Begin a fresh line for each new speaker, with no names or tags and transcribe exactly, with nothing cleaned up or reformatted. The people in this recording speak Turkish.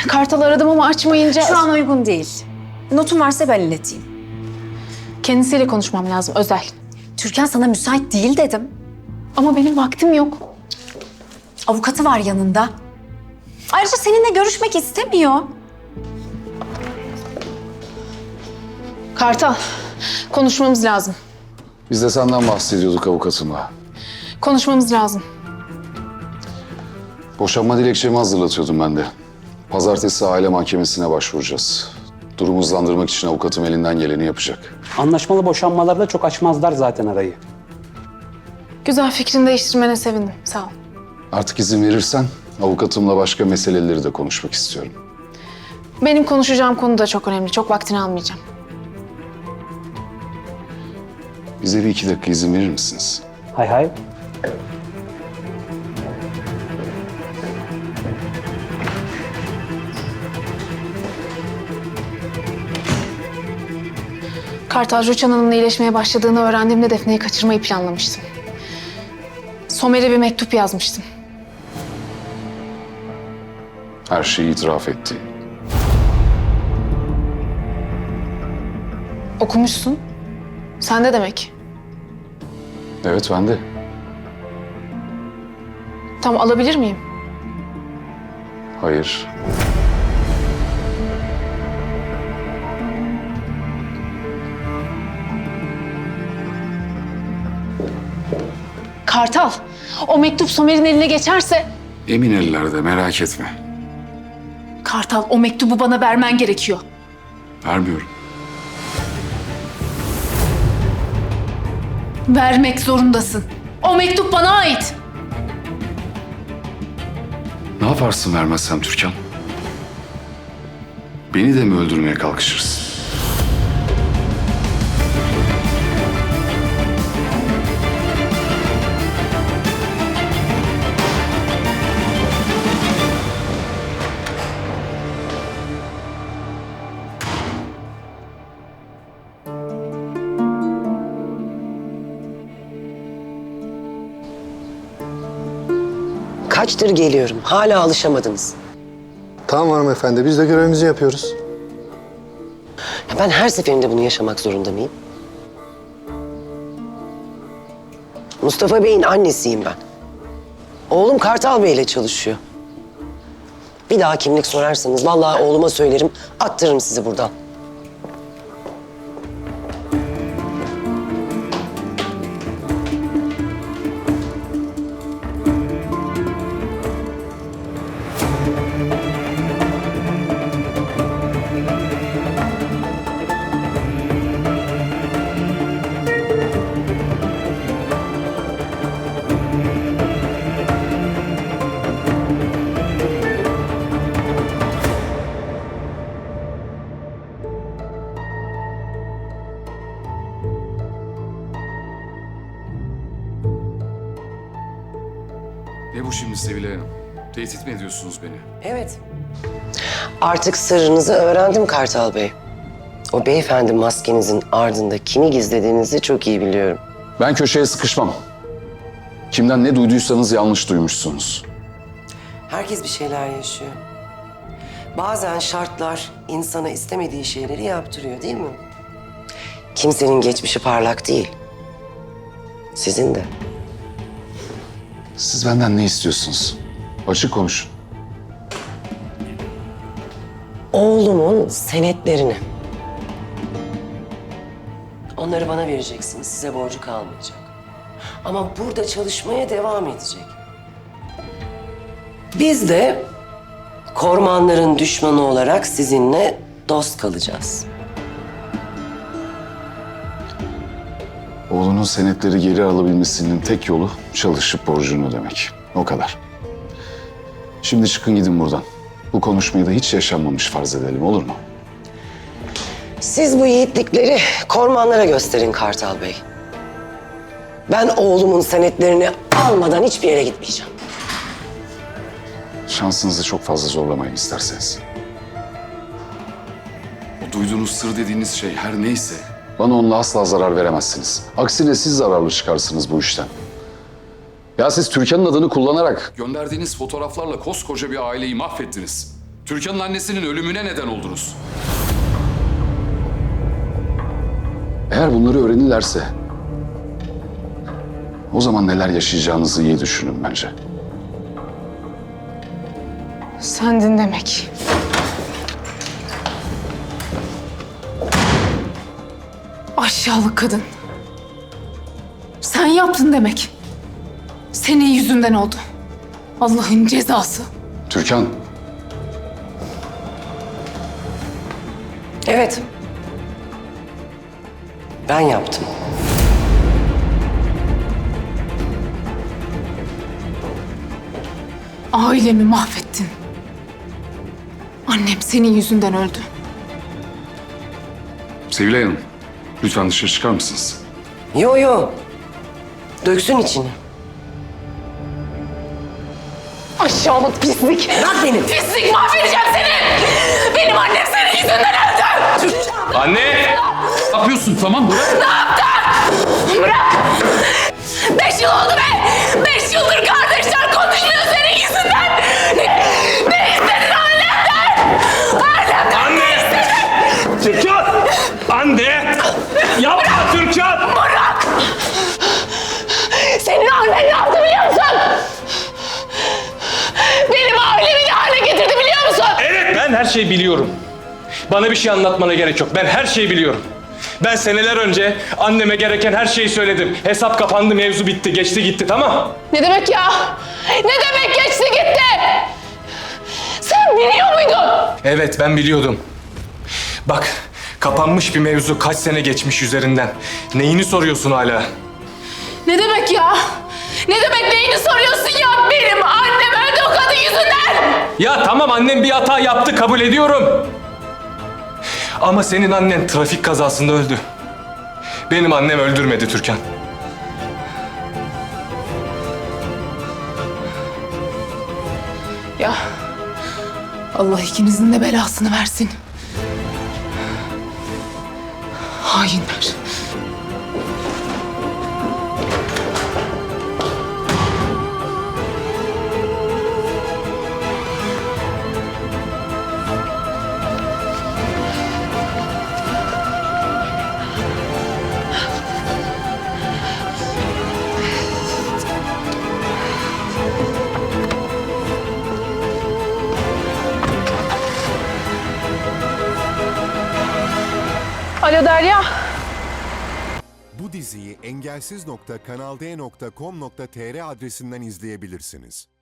Kartal aradım ama açmayınca...
Şu an uygun değil. Notun varsa ben ileteyim.
Kendisiyle konuşmam lazım, özel.
Türkan sana müsait değil dedim.
Ama benim vaktim yok.
Avukatı var yanında. Ayrıca seninle görüşmek istemiyor.
Kartal, konuşmamız lazım.
Biz de senden bahsediyorduk avukatımla.
Konuşmamız lazım.
Boşanma dilekçemi hazırlatıyordum ben de. Pazartesi aile mahkemesine başvuracağız. Durumu hızlandırmak için avukatım elinden geleni yapacak.
Anlaşmalı boşanmalarda çok açmazlar zaten arayı.
Güzel, fikrini değiştirmene sevindim. Sağ ol.
Artık izin verirsen avukatımla başka meseleleri de konuşmak istiyorum.
Benim konuşacağım konu da çok önemli. Çok vaktini almayacağım.
Bize bir iki dakika izin verir misiniz?
Hay hay.
Kartal, Rüçhan Hanım'la iyileşmeye başladığını öğrendiğimde Defne'yi kaçırmayı planlamıştım. Somer'e bir mektup yazmıştım.
Her şeyi itiraf etti.
Okumuşsun. Sen de demek.
Evet, ben de.
Tam alabilir miyim?
Hayır.
Kartal, o mektup Somer'in eline geçerse...
Emin ellerde, merak etme.
Kartal, o mektubu bana vermen gerekiyor.
Vermiyorum.
Vermek zorundasın. O mektup bana ait.
Ne yaparsın vermezsem Türkan? Beni de mi öldürmeye kalkışırsın?
Kaçtır geliyorum. Hala alışamadınız.
Tamam hanımefendi, biz de görevimizi yapıyoruz.
Ya ben her seferinde bunu yaşamak zorunda mıyım? Mustafa Bey'in annesiyim ben. Oğlum Kartal Bey'le çalışıyor. Bir daha kimlik sorarsanız vallahi oğluma söylerim, attırırım sizi buradan.
Ne bu şimdi Sevilay Hanım? Tehdit mi ediyorsunuz beni?
Evet. Artık sırrınızı öğrendim Kartal Bey. O beyefendi maskenizin ardında kimi gizlediğinizi çok iyi biliyorum.
Ben köşeye sıkışmam. Kimden ne duyduysanız yanlış duymuşsunuz.
Herkes bir şeyler yaşıyor. Bazen şartlar insana istemediği şeyleri yaptırıyor değil mi? Kimsenin geçmişi parlak değil. Sizin de.
Siz benden ne istiyorsunuz? Açık konuşun.
Oğlumun senetlerini. Onları bana vereceksiniz. Size borcu kalmayacak. Ama burada çalışmaya devam edecek. Biz de kormanların düşmanı olarak sizinle dost kalacağız.
Oğlunun senetleri geri alabilmesinin tek yolu çalışıp borcunu ödemek. O kadar. Şimdi çıkın gidin buradan. Bu konuşmayı da hiç yaşanmamış farz edelim, olur mu?
Siz bu yiğitlikleri kormanlara gösterin Kartal Bey. Ben oğlumun senetlerini almadan hiçbir yere gitmeyeceğim.
Şansınızı çok fazla zorlamayın isterseniz. O duyduğunuz sır dediğiniz şey her neyse... Bana onunla asla zarar veremezsiniz. Aksine siz zararlı çıkarsınız bu işten. Ya siz Türkan'ın adını kullanarak... Gönderdiğiniz fotoğraflarla koskoca bir aileyi mahvettiniz.
Türkan'ın annesinin ölümüne neden oldunuz.
Eğer bunları öğrenirlerse o zaman neler yaşayacağınızı iyi düşünün bence.
Sendin demek. Aşağılık kadın. Sen yaptın demek. Senin yüzünden oldu. Allah'ın cezası.
Türkan,
Evet. Ben yaptım.
Ailemi mahvettin. Annem senin yüzünden öldü.
Sevilay Hanım, lütfen dışarı çıkar mısınız?
Yo yo. Döksün içini.
Aşağılık pislik.
Bırak beni.
Pislik, mahvedeceğim seni. Benim annem senin yüzünden öldü.
Anne! Ne yapıyorsun? Tamam bırak.
Bırak. Beş yıl oldu be. Beş yıldır kardeşler konuşmuyor senin yüzünden. Ne, ne istedin annemden? Annemden
Anne!
ne istedin?
Türkan! Anne! Yapma Türkan!
Bırak. Senin annen ne yaptı biliyor musun? Benim ailemi ne hale getirdi biliyor musun?
Evet, ben her şeyi biliyorum. Bana bir şey anlatmana gerek yok. Ben her şeyi biliyorum. Ben seneler önce anneme gereken her şeyi söyledim. Hesap kapandı, mevzu bitti, geçti gitti, tamam?
Ne demek ya? Ne demek geçti gitti? Sen biliyor muydun?
Evet, ben biliyordum. Bak, kapanmış bir mevzu, kaç sene geçmiş üzerinden. Neyini soruyorsun hala?
Ne demek ya? Ne demek neyini soruyorsun ya? Benim annem öldü o kadın yüzünden.
Ya tamam, annem bir hata yaptı, kabul ediyorum. Ama senin annen trafik kazasında öldü. Benim annem öldürmedi Türkan.
Ya Allah ikinizin de belasını versin. Hainler. Alo Derya.
Bu diziyi engelsiz nokta kanal d nokta com nokta tr adresinden izleyebilirsiniz.